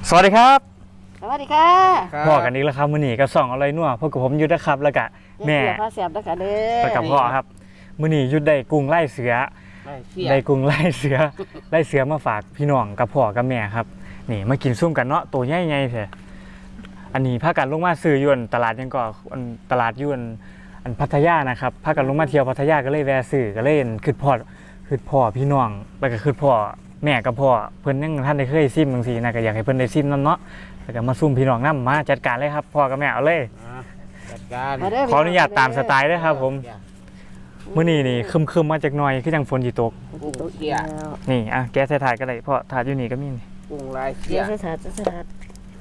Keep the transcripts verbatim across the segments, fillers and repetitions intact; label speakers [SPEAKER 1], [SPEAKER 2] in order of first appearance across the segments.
[SPEAKER 1] สวัสดีครับ
[SPEAKER 2] สวัสดีค่ะ
[SPEAKER 1] พ่อกันอีกแล้วครับมื้อนี้ก็ส่องอะไรนัวพวกกับผมยุทธนะครับแล้วก็แม่
[SPEAKER 2] พาเสียบนะคะเด้อ
[SPEAKER 1] แล้วกับพ่อครับมื้อนี้ยุทธได้กุ้งไล่เสือได้กุ้งไล่เสือไล่เสือมาฝากพี่น้องกับพ่อกับแม่ครับนี่มากินซุ่มกันเนาะตัวใหญ่ๆแท้อันนี้พากันลงมาซื้ออยู่ตลาดยังก็ตลาดอยู่อันพัทยานะครับพากันลงมาเที่ยวพัทยาก็เลยแวะซื้อก็เลยคิดพอคิดพ่อพี่น้องแล้วก็คิดพ่อแม่กับพ่อเพิ่นยังท่านได้เคยซิมจังซี่นะก็อยากให้เพิ่นได้ซิมนำเนาะแล้วก็มาซุ่มพี่น้องนำมาจัดการเลยครับพ่อกับแม่เอาเลย
[SPEAKER 3] จัดการ
[SPEAKER 1] ขออนุญาตตามสไตล์ด้วยครับผมมื้อนี้นี่คึมๆมาจากหน่อยคือจังฝนสิตก
[SPEAKER 3] กุ้งเสีย
[SPEAKER 1] นี่อ่ะแกะใส่ถาดก็ได้พ่อถาดอยู่นี่ก็มีนี่
[SPEAKER 3] กุ้งลายเสีย
[SPEAKER 2] ใส่ถาดใส่ถาด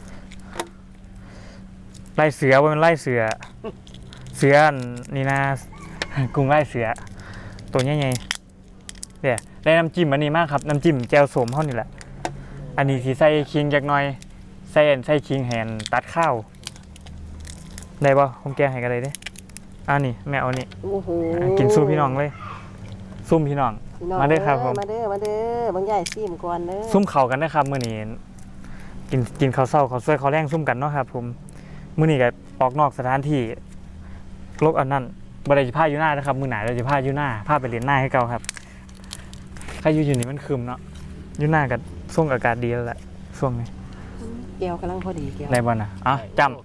[SPEAKER 1] ไล่เสือบ่แม่นไล่เสือเสือนี่นะกุ้งไล่เสือตัวใหญ่ๆเนี่ยได้น้ำจิ้มอันนี้มากครับน้ำจิ้มแจ่วส้มเฮานี่แหละอันนี้สิใส่ขิงจักหน่อยใส่ใส่ขิงแหนตัดข้าวได้ป่ะผมแกงให้กันเลยเด้อ่านี่แม่เอานี่กินสู้พี่น้องเลยซุ่มพี่น้องมาเด้อครับผม
[SPEAKER 2] มาเด้อมาเด้อบางใหญ่ซิมก่อนเด้อ
[SPEAKER 1] ซุ่มเข่ากันนะครับมื้อนี้กินกินข้าวเช้าข้าวสวยข้าวแรงซุ่มกันเนาะครับผมมื้อนี้ก็ออกนอกสถานที่โลกอันนั้นบ่ได้สิพาอยู่หน้านะครับมื้อหน้าเราจะพาอยู่หน้าพาไปเรียนหน้าให้เก่าครับใครอยู่อยู่นี่มันคึมเนาะอยู่หน้ากับส่งอากาศดีแล้วแหละช่วงนี้
[SPEAKER 2] แก้วกำลังพอดีแก้ว
[SPEAKER 1] ได้บ่น่ะอ่ะจำ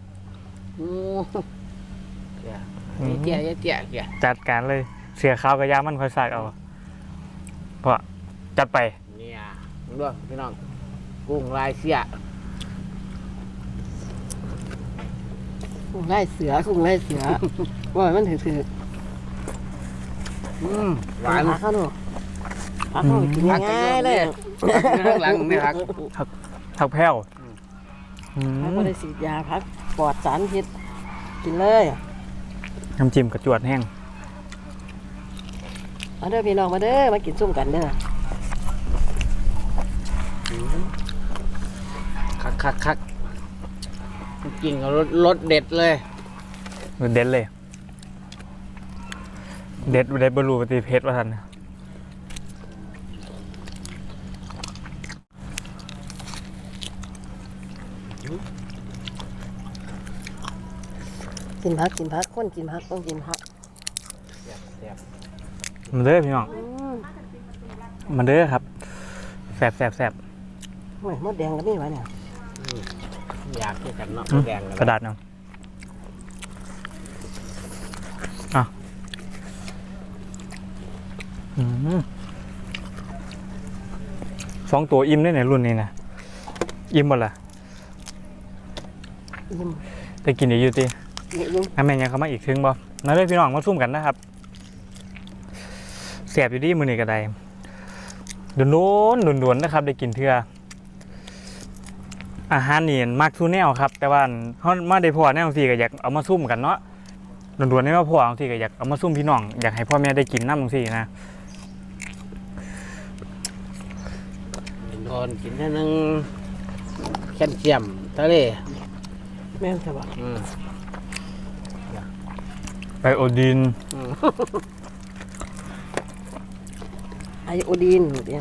[SPEAKER 3] เจี๊ยเจี๊ยเจี๊ย
[SPEAKER 1] จัดการเลยเสียขาวกับยามันค่อยสากเอาเพราะจัดไป
[SPEAKER 3] เนี่ยด้วยพี่น้องกุ้งลายเสีย
[SPEAKER 2] กุ้งไล่เสือกุ้งไล่เสือว่ามันถือถือ
[SPEAKER 3] อืมหวาน
[SPEAKER 2] พักเข้าหนูพักเข้ากินง่ายเลย
[SPEAKER 3] ข้างหลังไม่พัก
[SPEAKER 1] ผักแพ้ว
[SPEAKER 2] พักก็ได้ฉีดยาพักปลอดสารพิษกินเลย
[SPEAKER 1] น้ำจิ้มกระจวดแห้ง
[SPEAKER 2] มาเด้อพี่น้องมาเด้อมากินซุ่มกันเด้อ
[SPEAKER 3] คักคักคักกินกับรสรสเด็ดเลย
[SPEAKER 1] เด็ดเลยเด็ดเด็ดบรูปฏิเพชรว่าทัน
[SPEAKER 2] กินพักกินพักคนกินพักต้องกินพัก
[SPEAKER 1] มันเด้อพี่น้องมันเด้อครับแสบแสบแสบ
[SPEAKER 2] โอ้ยมดแดงก็มีวะเนี่ย
[SPEAKER 3] อยากกินกันเนาะแดง
[SPEAKER 1] กระดาษเนาะอ่ะสองตัวอิ่มได้ในรุ่นนี้นะอิ่มหมดละ
[SPEAKER 2] อิ่ม
[SPEAKER 1] ไปกินอีกอยู่ตีน้ำแม่ยังเขามาอีกถึงบ่นั่นเลยพี่น้องมาซุ่มกันนะครับแสบอยู่ดีมือนี่ก็ได้โดนโดนโดนโดนนะครับได้กินเทื่ออาหารนี่มากทุนแนวครับแต่ว่าเขามาได้พ่อแนวสี่ก็อยากเอามาซุ่มกันเนาะโดนโดนนี่ว่าพ่อบางทีก็อยากเอามาซุ่มพี่น้องอยากให้พ่อแม่ได้กินน้ำบางทีนะ
[SPEAKER 3] โดนกินแค่นึงแคลเซียมทะเล
[SPEAKER 2] แม่นใช่ปะ
[SPEAKER 1] ไอโอดีน
[SPEAKER 2] ไอโอดีนเนี่ย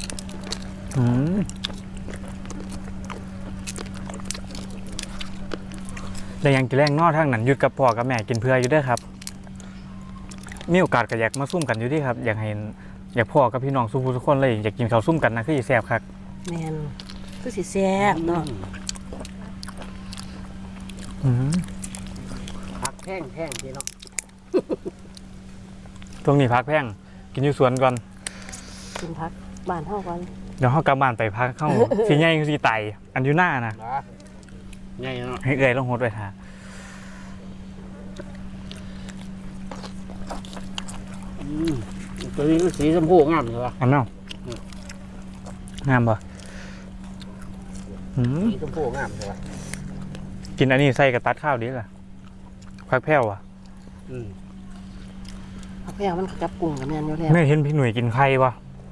[SPEAKER 1] แต่ยังกินแรงนอทั้งนั้นหยุดกับพ่อกับแม่กินเพื่ออยู่ด้วยครับมีโอกาสก็อยากมาซุ่มกันอยู่ที่ครับอยากเห็นอยากพ่อกับพี่น้องสู้ทุกคนเลยอยากกินข้าวซุ่มกันนะคือแซ่บครับ
[SPEAKER 2] แม่นคือสิแซ่บเนาะ
[SPEAKER 3] ผักแห้งแห้งพี่น้อง
[SPEAKER 1] ตรงนี้พักแพงกินอยู่สวนก่อน
[SPEAKER 2] กินพักบ้านเท่ากัน
[SPEAKER 1] เดี๋ยวเขากลับบ้านไปพักเข้าสีใหญ่คือสีไตอันอยู่หน้านะ
[SPEAKER 3] ใหญ่เนาะ
[SPEAKER 1] ให้เอ่ยต้องโหดไปท่า
[SPEAKER 3] ตัวนี้สีชมพูงามเลยวะ
[SPEAKER 1] อันนั้นงามป่ะ
[SPEAKER 3] สีชมพูงามเลยวะ
[SPEAKER 1] กินอันนี้ใส่กับตัดข้าวดีล่ะพักแพ้วอ่ะ
[SPEAKER 2] พักแพ้วมันกับกุ้งกับแมนอยู่แล้ว
[SPEAKER 1] ไม่เห็นพี่หนุ่ยกินไข่ป่ะ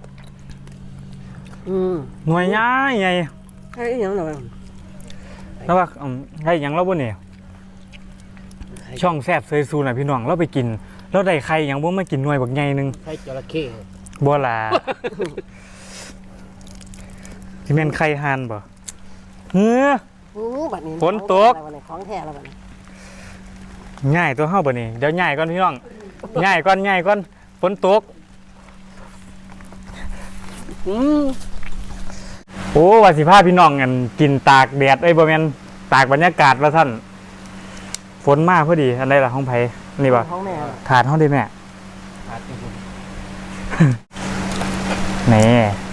[SPEAKER 1] หน่วยย้ายไง
[SPEAKER 2] ไข่ยังหน่อย
[SPEAKER 1] แล้วว่าไข่ยังเราบ่เนี่ยช่องแซ่บเซยซูน่ะพี่น้องเราไปกินแล้วได้ไข่ยังบ่มากินหน่วยบักใหญ่นึง
[SPEAKER 3] ไข่จระเข้
[SPEAKER 1] บ่ล่ะที่แม่นไข่ห่านบ่เฮ้อ
[SPEAKER 2] อู้บัดนี้
[SPEAKER 1] ฝนตก
[SPEAKER 2] ของแท้แล้วบัดนี้
[SPEAKER 1] ง่ายตัวเฮาบ่นี่เดี๋ยวง่ายก่อนพี่น้องง่ายก่อนง่ายก่อนฝนตก
[SPEAKER 2] อืม
[SPEAKER 1] โอ้ว่าสิพาพี่น้องกันกินตากแดดเอ้ยบ่แม่นตากบรรยากาศว่าท่านฝนมาพอดีอันใดล่ะห้องไผนี่บ่
[SPEAKER 2] ของแม่
[SPEAKER 1] ถาดเฮาได้แม่
[SPEAKER 3] อาจจะคุณ
[SPEAKER 1] นี่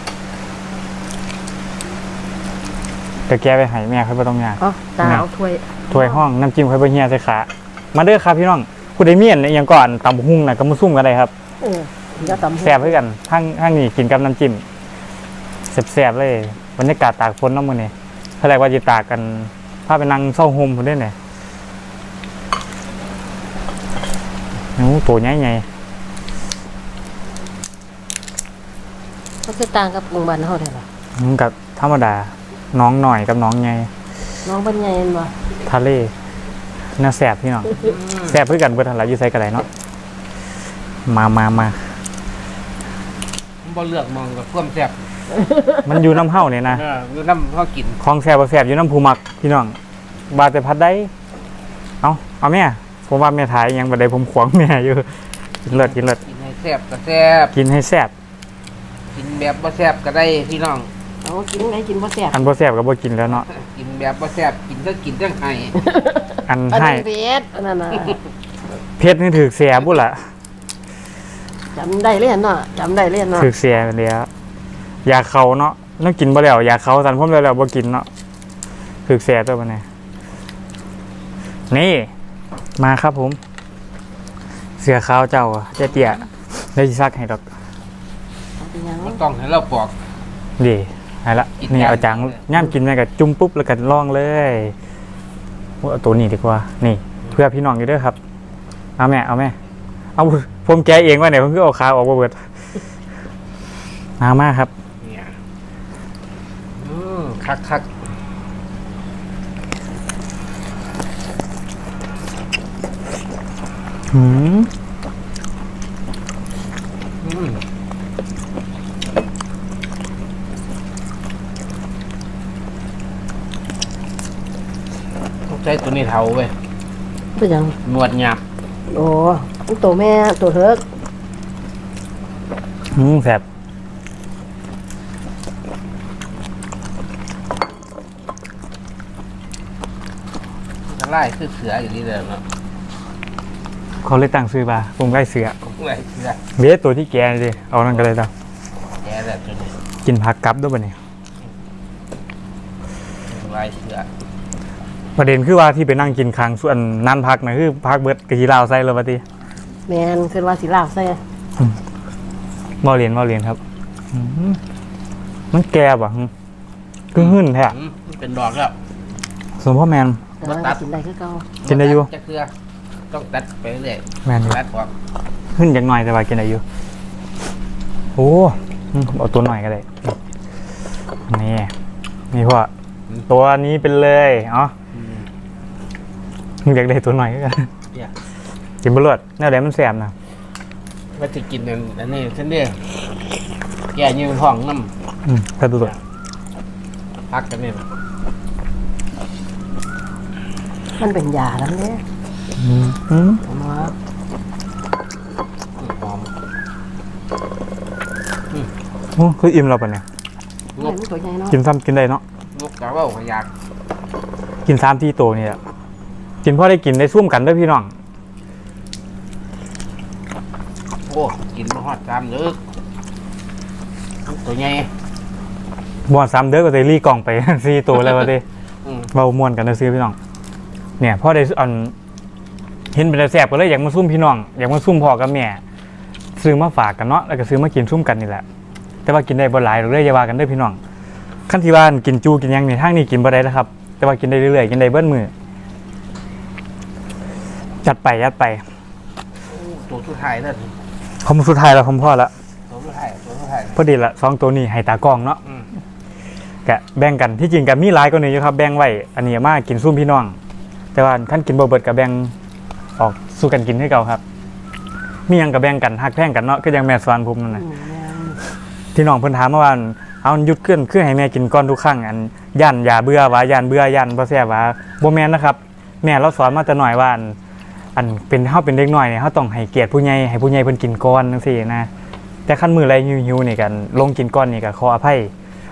[SPEAKER 1] ก็แกไปให้แม่ค่อยบ่ต้องยาก
[SPEAKER 2] อ๋อตาเอาถ้วย
[SPEAKER 1] ถ้วยห้องน้ำจิ้มค่อยบ่เฮียใส่ขามาเด้อครับพี่น้องผู้ใดมีอันอิหยังก่อนตำบักหุ่งน่ะก็มาซุ่มกันได้ครับ
[SPEAKER 2] เออเดี๋ยวตำ
[SPEAKER 1] แซ่บคือกันทั้งทั้งนี้กินกับน้ำจิ้มแซ่บๆเลยบรรยากาศตากฝนเนาะมื้อนี้เท่าไหร่ว่าสิตากกันพาไปนั่งเซาโฮมพุ่นเด้เนี่ยโอ้ตัวใหญ่
[SPEAKER 2] ก็คือต่างกับกรุงบ้านเฮาแท้ล่ะ
[SPEAKER 1] ๆมันก็ธรรมดาน้องหน่อยกับน้องใหญ่
[SPEAKER 2] น้องบ้านใหญ่เห็นบ่
[SPEAKER 1] ทะเลน่าแซ่บพี่น้องแซ่บคือกันเบิดหั่นล่ะอยู่ไสก็ได้เนาะมามามา
[SPEAKER 3] บ่เลือกมองกับความแซ่บ
[SPEAKER 1] มันอยู่น้ำเฮาเนี่ยนะ
[SPEAKER 3] เอออยู่น้ำเขากิน
[SPEAKER 1] ของแซ่บบ่แซ่บอยู่น้ำผู้มักพี่น้องบาแต่พัดได้เอาเอาแม่ผมว่าแม่ถ่ายอิหยังบ่ได้ผมขวางแม่อยู่กินเลิศกินเลิศ
[SPEAKER 3] กินให้แซ่บก็แซ่บ
[SPEAKER 1] กินให้แซ่บ
[SPEAKER 3] กินแบบบ่แซ่บก็ได้พี่น้อง
[SPEAKER 2] เอากินไงกินบ่แซ่บ
[SPEAKER 1] อันบ่แซ่บก็บ่กินแล้วเนาะ
[SPEAKER 3] กินแบบบ่แซ่บกินก็กินจังไห้
[SPEAKER 1] อัน
[SPEAKER 2] อัน
[SPEAKER 1] ให้
[SPEAKER 2] นี้เผ็ดอันนั้นน่ะ
[SPEAKER 1] เพชรนี่ถือเสียบุ่นล่ะ
[SPEAKER 2] จำได้เลยเนาะจำได้เลยเนาะ
[SPEAKER 1] ถือเสียเดียวอยากเขาเนาะต้องกินบ่แล้วอยากเขาสันพ่มแล้วแล้วบ่กินเนาะถือเสียตัวมันนี่นี่มาครับผม เสือขาวเจ้าอะเจ๊เตี้ยได้สิซักให้ดอก
[SPEAKER 2] เอาไปยัง
[SPEAKER 3] บ่ต้องให้เราปอก
[SPEAKER 1] ดีให้ละ
[SPEAKER 3] กิน
[SPEAKER 1] นี่
[SPEAKER 3] ย่าง
[SPEAKER 1] เอาจังย่ามกินแม่ก็จุ่มปุ๊บแล้วก็ลองเลยเอาตัวนี้ดีกว่านี่ เพื่อพี่น้องอยู่เด้อครับเอาแม่เอาแม่เอาผมแกะเองว่าเนี่ยผมคือเอาขาออกบ่เบิดมามาครับ
[SPEAKER 3] เนี่ยอืมคักคัก
[SPEAKER 1] หืม
[SPEAKER 3] ๆอืมต้องใช้ตัวนี้เท่าเว้ย
[SPEAKER 2] เป็นยัง
[SPEAKER 3] หนวดหยาบ
[SPEAKER 2] โอ้มันตัวแม่ตัวเถิก
[SPEAKER 1] หืมแซ่บ
[SPEAKER 3] จะไล่คือเสืออย่างนี้เลยเนาะ
[SPEAKER 1] เขาเลยตั้งซื้อมาผมไล่เสือ
[SPEAKER 3] ไล่เสือ
[SPEAKER 1] เบสตัวที่แกนี่ดิเอานั่นก็เลยต่อ
[SPEAKER 3] แกแบบตัวนี้
[SPEAKER 1] กินผักกับด้วยบ่เนี่ย
[SPEAKER 3] ไล่เสือ
[SPEAKER 1] ประเด็นคือว่าที่ไปนั่งกินค้างส่วนนั่นพักนะคือพักเบิดกะทิลาวใส่เลยปะติ
[SPEAKER 2] แม่นคือว่าสิลาวใส่
[SPEAKER 1] บ่เรียนบ่เรียนครับหืมมันแก่บ่หึคือหื่นแท้
[SPEAKER 3] อืมมันเป็นดอกแล้ว
[SPEAKER 1] สมพ่อแมน
[SPEAKER 2] แต่ว่า
[SPEAKER 3] บ่ตัด
[SPEAKER 2] กินได้คือเก่า
[SPEAKER 1] กินได้อยู่
[SPEAKER 3] จะเสือต้องตัดไปเรื่อย
[SPEAKER 1] แมนอยู่
[SPEAKER 3] ตัดออก
[SPEAKER 1] หื่นอย่างหน่อยแต่ว่ากินได้อยู่โอ้อืมเอาตัวหน่อยก็ได้นี่นี่พ่อตัวนี้เป็นเลยอ๋อ
[SPEAKER 3] อืม
[SPEAKER 1] อยากได้ตัวหน่อยก็กัน
[SPEAKER 3] เนี่ย
[SPEAKER 1] กินบะเลือดแนวไหนมันแสบนะ
[SPEAKER 3] ว่าจะกินอันอันนี้เส้นเดียวแก่ยืนห้องน้
[SPEAKER 1] อืมถ้าดูตัว
[SPEAKER 3] ำพักกันนี่นะ
[SPEAKER 2] มันเป็นยาแล้วเนี่ย
[SPEAKER 1] อืมอืม
[SPEAKER 2] ผมว่า
[SPEAKER 3] หอม
[SPEAKER 1] โอ้คืออิ่มเราปะเนี่ย
[SPEAKER 3] ง
[SPEAKER 2] แม่
[SPEAKER 3] ก
[SPEAKER 2] มันตัวใหญ่เนาะ
[SPEAKER 1] กินซ้ำกินได้เนาะ
[SPEAKER 3] งกกะว่าขยาก
[SPEAKER 1] กินสามที่โตนี่แหละกินพ่อได้กินได้ซุ่มกันด้วยพี่น้อง
[SPEAKER 3] โอ้กินมาฮอดจามเด้อตัวใหญ่
[SPEAKER 1] บอดซ้ำเด้อก็จะรีกล่องไป สี่ตัวแล้ววะดิ
[SPEAKER 3] อืม
[SPEAKER 1] เบาม่วนกันนะซื้อพี่น้อง เนี่ยพ่อได้อันเห็นเป็นแต่แสบก็เลยอยากมาซุ่มพี่น้องอยากมาซุ่มพ่อกับแม่ซื้อมาฝากกันเนาะแล้วก็ซื้อมากินซุ่มกันนี่แหละ แต่ว่ากินได้บ่หลายหรอกเลยอย่าว่ากันเด้อพี่น้องขั้นที่บ้านกินจูกินหยังนี่ทางนี้กินบ่ได้นะครับ แต่ว่ากินได้เรื่อยๆกินได้เบิ้ลมือจัดไปจัดไป
[SPEAKER 3] ตัวสุดท้ายนั่น
[SPEAKER 1] ผมสุดท้ายแล้วผมพ่อละ
[SPEAKER 3] ตัวสุดท้ายตัวสุดท้าย
[SPEAKER 1] พอดีละสองตัวนี้ให้ตากล้องเนาะ
[SPEAKER 3] อืม
[SPEAKER 1] กะแบ่งกันที่จริงกับมีหลายกว่านี้อยู่ครับแบ่งไว้อันนี้มากินซุ่มพี่น้อง แต่ว่าขั้นกินบ่เบิดกับแบ่งออกสู้กันกินให้เก่าครับ มีหยังกับแบ่งกันฮักแพงกันเนาะก็ยังแม่สอนผมนั่น
[SPEAKER 2] อื
[SPEAKER 1] น่ะ
[SPEAKER 2] มแม่น
[SPEAKER 1] ที่น้องเพิ่นถามเมื่อวานเอาหยุดขึ้นคือให้แม่กินก่อนทุกครั้งอันยันอย่าเบื่อว่ายันเบื่อยันบ่แซ่บว่าบ่แม่นนะครับ แม่เราสอนมาแต่น้อยว่าอันอันเป็นเฮาเป็นเด็กน้อยเนี่ยเฮาต้องให้เกียรติผู้ใหญ่ให้ผู้ใหญ่เพิ่นกินก่อนจังซี่นะแต่คันมื้อไรหิวๆนี่กันลงกินก่อนนี่ก็ขออภัย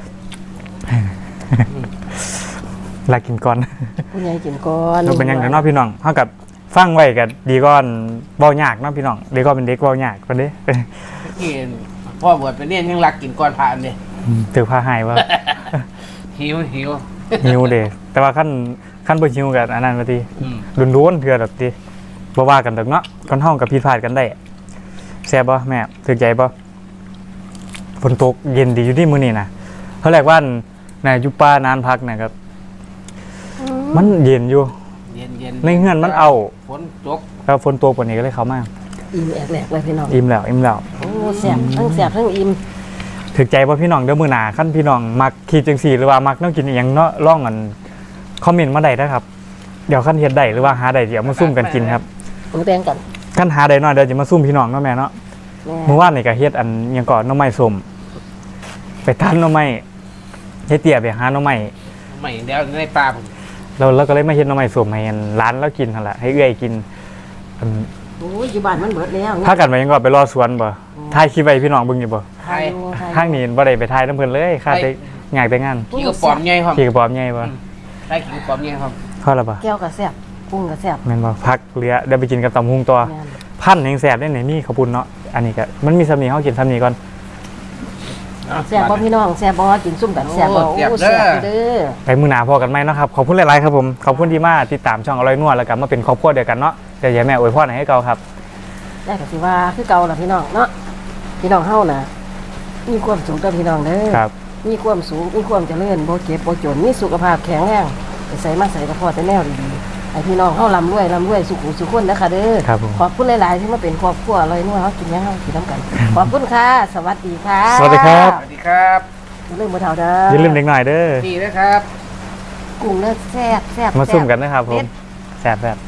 [SPEAKER 1] ลากินก่อน
[SPEAKER 2] ผู้ใหญ่กินก่อน
[SPEAKER 1] เราเป็นหยังกันเนาะพี่น้องเฮากับฟังไว้ก็ดีก่อนเว้ายากเนาะพี่น้องเด็กก็เป็นเด็กเว้ายากกว่าเด้
[SPEAKER 3] กินพ่อบวชไปเนี่ยยังรักกินก้อนผ่านเลย
[SPEAKER 1] ถือผ้าหายว่า
[SPEAKER 3] หิวหิว
[SPEAKER 1] หิวเด้แต่ว่าขั้นขั้นบ่หิวกันอันนั้นว่าติ
[SPEAKER 3] อืม
[SPEAKER 1] รุนๆเทื่อดอกติบ่ว่ากันดอกเนาะคนเฮากับผิดพลาดกันได้แซ่บบ่แม่ถูกใจบ่ฝนตกเย็นดีอยู่ที่มื้อนี้นะเขาเรียกว่าน่ะอยู่ป่านานพักนะครับ
[SPEAKER 2] อืม
[SPEAKER 1] มันเย็นอยู่
[SPEAKER 3] เย็นเย็น
[SPEAKER 1] ในเฮือนมันเอา
[SPEAKER 3] ฝนตก
[SPEAKER 1] แล้วฝนตกกว่านี้ก็เลยเข้ามา
[SPEAKER 2] อิ่มแอกแหลกเลยพี่น้อง
[SPEAKER 1] อิ่มแล้วอิ่มแล้ว
[SPEAKER 2] โอ้แซ่บทั้งแซ่บทั้งอิ่ม
[SPEAKER 1] ถึกใจบ่พี่น้องเดี๋ยวมื้อหน้าคันพี่น้องมักคิดจังซี่หรือว่ามักแนวกินอีหยังเนาะลองกันคอมเมนต์มาได้นะครับเดี๋ยวคันเฮ็ดได้หรือว่าหาได้เดี๋ยวมาซุ่มกันกินครับ
[SPEAKER 2] หมูแดงกัน
[SPEAKER 1] คันหาได้น้อยเดี๋ยวจะมาซุ่มพี่น้องเนาะแม่เนาะ
[SPEAKER 2] แม่
[SPEAKER 1] เมื่อวานนี่ก็เฮ็ดอันหยังก่อนหน่อไม้ส้มไปทานหน่อไม้เฮ็ดเตี้ยไปหาหน่อไม้
[SPEAKER 3] ไม่เดี๋ยวในป่าผม
[SPEAKER 1] เราเราก็เลยมาเฮ็ดหน่อไม้ส้มให้อันร้านเรากินหั่นล่ะให้เอื้อยกินอัน
[SPEAKER 2] โอ้ยอยู่บ้านมันเบิดแล้ว
[SPEAKER 1] พากันไปหยังก่อนไปรอสวนบ่ถ่ายคลิปไว้พี่น้องเบิ่งอยู่บ่
[SPEAKER 2] ไทยอยู่ไทยอยู่
[SPEAKER 1] ทางนี้บ่ได้ไปถ่ายนํเพิ่นเลยค่าแต่อยากแต่งาน
[SPEAKER 3] ขี้กระป๋อมใหญ่ครับ
[SPEAKER 1] ขี่กระป๋อมใหญ่บ่
[SPEAKER 3] ได้ขี้กระป๋อมใหญ่ครับ
[SPEAKER 1] พอแล้วบ่
[SPEAKER 2] แก้วก็แซ่บกุ้งก็แซ่บ
[SPEAKER 1] แม่นบ่พักเหลือเดี๋ยวไปกินกับตำหุงตัว
[SPEAKER 2] แม่น
[SPEAKER 1] พันแห่งแซ่บได้ไหนมีข้าวปุ้นเนาะอันนี้ก็มันมีสำนีเฮากินสำนีก่อน
[SPEAKER 2] แซ่บบ่พี่น้องแซ่บบ่กินซุ่มกันแซ่บบ่โอ้แซ่บเด้อ
[SPEAKER 1] ไปมื้อหน้าพอกันไหมเนาะครับขอบคุณหลายๆครับผมขอบคุณที่มาติดตามช่องอร่อยนัวแล้วก็มาเป็นครอบครัวเดียวกันเนาะเดี๋ยวอย่าแม่อวยพรให้เก่าครับ
[SPEAKER 2] ได้ก็สิว่าคือเก่าล่ะพี่น้องเนาะพี่น้องเฮาน่ะมีความสุขเด้อพี่น้องเด้อ
[SPEAKER 1] ครับ
[SPEAKER 2] มีความสูงมีความเจริญบ่เจ็บบ่จนมีสุขภาพแข็งแรงไปใส่มาใส่กระเพาะแต่แนวดีๆให้พี่น้องเฮาร่ำรวยร่ำรวยสุขุสุขคนนะคะเด้อ
[SPEAKER 1] ครับผม
[SPEAKER 2] ขอบคุณหลายๆที่มาเป็นครอบครัวอร่อยนัวเฮากินหยังเฮากินน้ำกัน ขอบคุณค่ะ สวัสดีค่ะ
[SPEAKER 1] สวัสดีครับ
[SPEAKER 3] สวัสดีครับ
[SPEAKER 2] อย่าลืมบ่เท่าเด้อ
[SPEAKER 1] อย่าลืมเด็กหน่อยเด้อ
[SPEAKER 3] ดีนะครับ
[SPEAKER 2] กุ้งเด้อแซ่บแซ่บ
[SPEAKER 1] มา
[SPEAKER 2] แซ่บ
[SPEAKER 1] ซุ่มกันนะครับผม
[SPEAKER 2] เด็ด
[SPEAKER 1] แซ่บแบบ